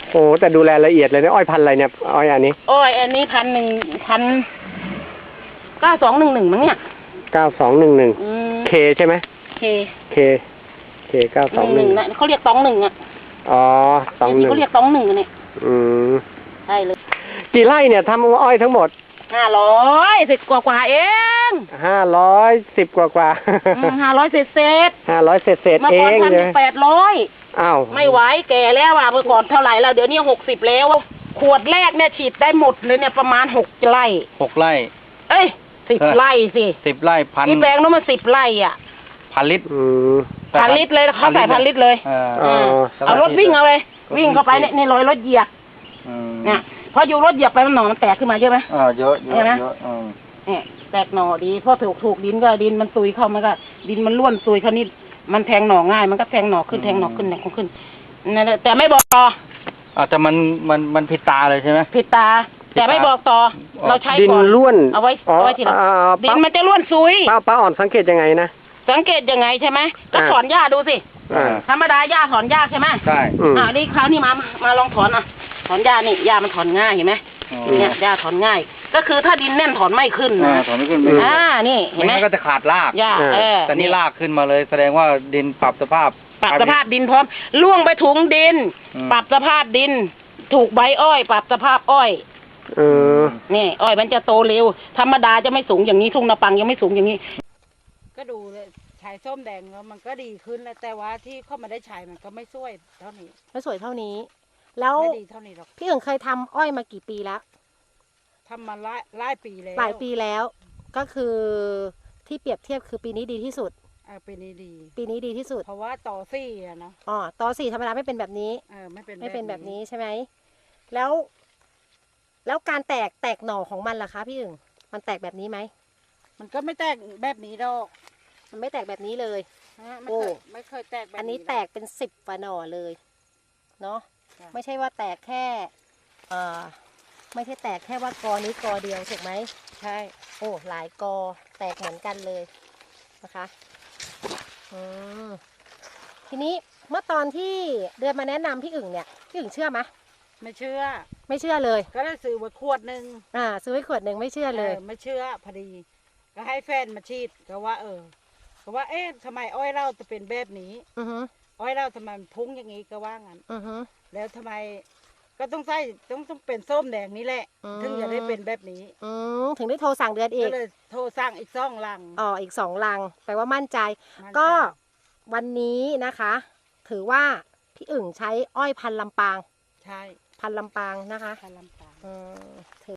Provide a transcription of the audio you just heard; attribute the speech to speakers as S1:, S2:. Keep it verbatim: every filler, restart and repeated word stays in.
S1: โอ้แต่ดูแลละเอียดเลยนะอ้อยพันธุ์อะไรเนี่ยอ้อยอันนี้
S2: อ้อยอันนี้พันหนึ่งพันเก้าสองหนึ่งหนึ่งมั้งเนี่ย
S1: เก้าสองหนึ่งหนึ่งเคใช่ไหม
S2: เค
S1: เคเคเก้าสองหนึ่ง
S2: นะเขาเรียกตองหนึ่งอ่ะ
S1: อ๋อตองหนึ่ง
S2: เขาเรียกตองหนึ่งเนี่ย
S1: อืม
S2: ใช่เลย
S1: กี่ไร่เนี่ยทำอ้อยทั้งหมด
S2: ห้าร้อยสิบกว่ากว่าเอง
S1: ห้าร้อยสิบกว่ากว่า
S2: ห้าร้อยเศษเศษ
S1: ห้าร้อยเศษเศษเอง
S2: เลยแปดร้อย
S1: อ้าว
S2: ไม่ไหวแก่แล้วอ่ะเมื่อก่อนเท่าไหร่แล้วเดี๋ยวนี้หกสิบแล้วขวดแรกเนี่ยฉีดได้หมดเลยเนี่ยประมาณหกไร่
S3: หกไร่
S2: เอ้ยสิบไร่สิ
S3: สิบไร่พัน
S2: ที่แปลงนั้นมันสิบไร่อ่ะ
S3: พันลิตร
S2: พันลิตรเลยเขาใส่พันลิตรเลยเอารถวิ่งเอาเลยวิ่งเข้าไปเนี่ยในรอยรถเหยียบเนี่ยพออยู่รถเหยียบไปมันหน่อมันแตกขึ้นมาเยอะไหม
S3: อ่าเยอะเยอะเยอะ
S2: เนี่ยแตกหน่อดีพอถูกถูกดินก็ดินมันซุยเข้ามันก็ดินมันร่วนซุยเขานี่มันแทงหน่อง่ายมันก็แทงหน่อขึ้นแทงหน่อขึ้นแทงขึ้นนั่นแหละแต่ไม่บอกต่อ
S3: อ่าแต่มันมันมันผิดตาเลยใช่ไหม
S2: ผิดตาแต่ไม่บอกต่อเราใช้
S1: ดินร่วน
S2: เอาไว้เอาไว้ทีหลังดินมันจะร่วนซุย
S1: ป้าป้าอ่อนสังเกตยังไงนะ
S2: สังเกตยังไงใช่ไหมก็ถอนหญ้าดูสิธรรมดาหญ้าถอนยากใช่ไหม
S3: ใช่
S2: อ่านี่คราวนี้มามาลองถอนอ่ะถอนหญ้านี่หญ้ามันถอนง่ายเห็นไหมเนี่ยหญ้าถอนง่ายก็คือถ้าดินแน่นถอนไม่ขึ้นนะ
S3: ถอนไม่ขึ้น
S2: อ่านี่เห็นไหม
S3: ก็จะขาดราก
S2: หญ้าเออ
S3: แต่นี่รากขึ้นมาเลยแสดงว่าดินปรับสภาพ
S2: ปรับสภาพดินพร้อมล่วงไปถุงดินปรับสภาพดินถูกใบอ้อยปรับสภาพอ้อย
S1: เออ
S2: นี่อ้อยมันจะโตเร็วธรรมดาจะไม่สูงอย่างนี้ทุ่งนาปังยังไม่สูงอย่างนี้ก็ดูเลยฉายส้มแดงแล้วมันก็ดีขึ้นแล้วแต่ว่าที่เข้ามาได้ฉายมันก็ไม่สวยเท่านี้
S4: ไม่สวยเท่านี้แล้ว
S2: ไม่ดีเท่านี้หรอก
S4: พี่เอิงเคยทำอ้อยมากี่ปีแล้ว
S2: ทำมาหลายหลายปีแล้ว
S4: หลายปีแล้วก็คือที่เปรียบเทียบคือปีนี้ดีที่สุด
S2: เออปีนี้ดี
S4: ปีนี้ดีที่สุด
S2: เพราะว่าต่อสี่อะเนาะ
S4: อ๋อต่อสี่ธรรมดาไม่เป็นแบบนี้
S2: เออไม่เป็น
S4: ไม่เป็นแบบนี้ใช่ไหมแล้วแล้วการแตกแตกหน่อของมันล่ะคะพี่เอิงมันแตกแบบนี้ไหม
S2: มันก็ไม่แตกแบบนี้ดอก
S4: มันไม่แตกแบบนี้เลย
S2: โอ้ไม่เคยแตกแบบนี้
S4: อันนี้แตกเป็นสิบฝ่าหน่อเลยเนาะไม่ใช่ว่าแตกแค่เอ่อไม่ใช่แตกแค่ว่ากอนี้กอเดียวถูกไหม
S2: ใช่
S4: โอ้หลายกอแตกเหมือนกันเลยนะคะอืมทีนี้เมื่อตอนที่เดือนมาแนะนำพี่อึ่งเนี่ยพี่อึ่งเชื่อไหม
S2: ไม่เชื่อ
S4: ไม่เชื่อเลย
S2: ก็ได้ซื้อไว้ขวดหนึ่ง
S4: อ่าซื้อไว้ขวดหนึ่งไม่เชื่อเลย
S2: ไม่เชื่อพอดีก็ให้แฟนมาฉีดก็ว่าเออก็ว่าเอ๊ะทำไมอ้อยเราจะเป็นแบบนี้
S4: อือฮึ
S2: อ้อยเราทำไมมันพุ่งอย่างนี้ก็ว่างั้น
S4: อือฮึ
S2: แล้วทำไมก็ต้องใส่ต้องต้องเป็นส้มแดงนี้แหละถึงจะได้เป็นแบบนี้
S4: อืมถึงได้โทรสั่งเดือนอีก
S2: ก็เลยโทรสั่งอีกสองลัง
S4: อ๋ออีกสองลังแปลว่ามั่นใจก็วันนี้นะคะถือว่าพี่อึ่งใช้อ้อยพันลำปาง
S2: ใช่
S4: พันลำปางนะคะ
S2: พันลำปาง
S4: อืม